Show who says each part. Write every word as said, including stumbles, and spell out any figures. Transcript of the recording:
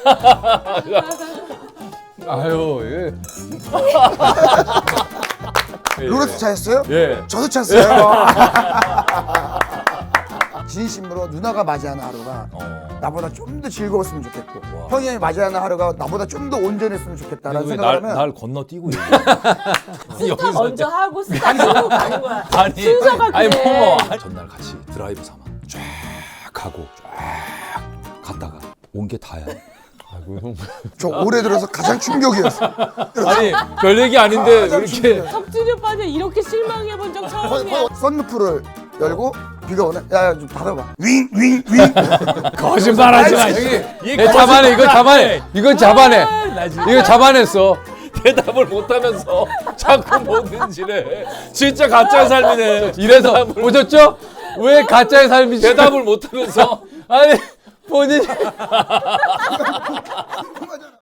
Speaker 1: 아유, 예.
Speaker 2: 롤러스 차였어요?
Speaker 1: 예.
Speaker 2: 저도 찼어요. 진심으로 누나가 맞이하는 하루가
Speaker 1: 어.
Speaker 2: 나보다 좀 더 즐거웠으면 좋겠고
Speaker 1: 와.
Speaker 2: 형이 맞이하는 하루가 나보다 좀 더 온전했으면 좋겠다라는
Speaker 1: 왜
Speaker 2: 생각을
Speaker 1: 날,
Speaker 2: 하면
Speaker 1: 날 건너뛰고 얘기해?
Speaker 3: 스타 먼저 하고 스타 하고 가는 거야.
Speaker 1: 아니,
Speaker 3: 순서가
Speaker 1: 아니
Speaker 3: 그래.
Speaker 1: 뭐 전날 같이 드라이브 삼아 쫙 가고 쫙 갔다가 온 게 다야. 아이고 형.
Speaker 2: 저 올해 들어서 가장 충격이었어.
Speaker 1: 아니 별 얘기 아닌데
Speaker 2: 가장
Speaker 1: 이렇게
Speaker 2: 충격이었어.
Speaker 3: 석진이 오빠는 이렇게 실망해 본 적 처음이야.
Speaker 2: 썬루프를 열고 비가 오네. 야야 좀 닫아봐. 윙 윙 윙.
Speaker 1: 거짓말하지 마.
Speaker 2: 형이
Speaker 1: 이거 잡아내 이거 잡아내 이거 잡아내 이거 잡아냈어. 대답을 못하면서 자꾸 뭐든지래. 진짜 가짜의 삶이네. 이래서 보셨죠? 왜 가짜의 삶이지? 대답을 못하면서 아니 본인이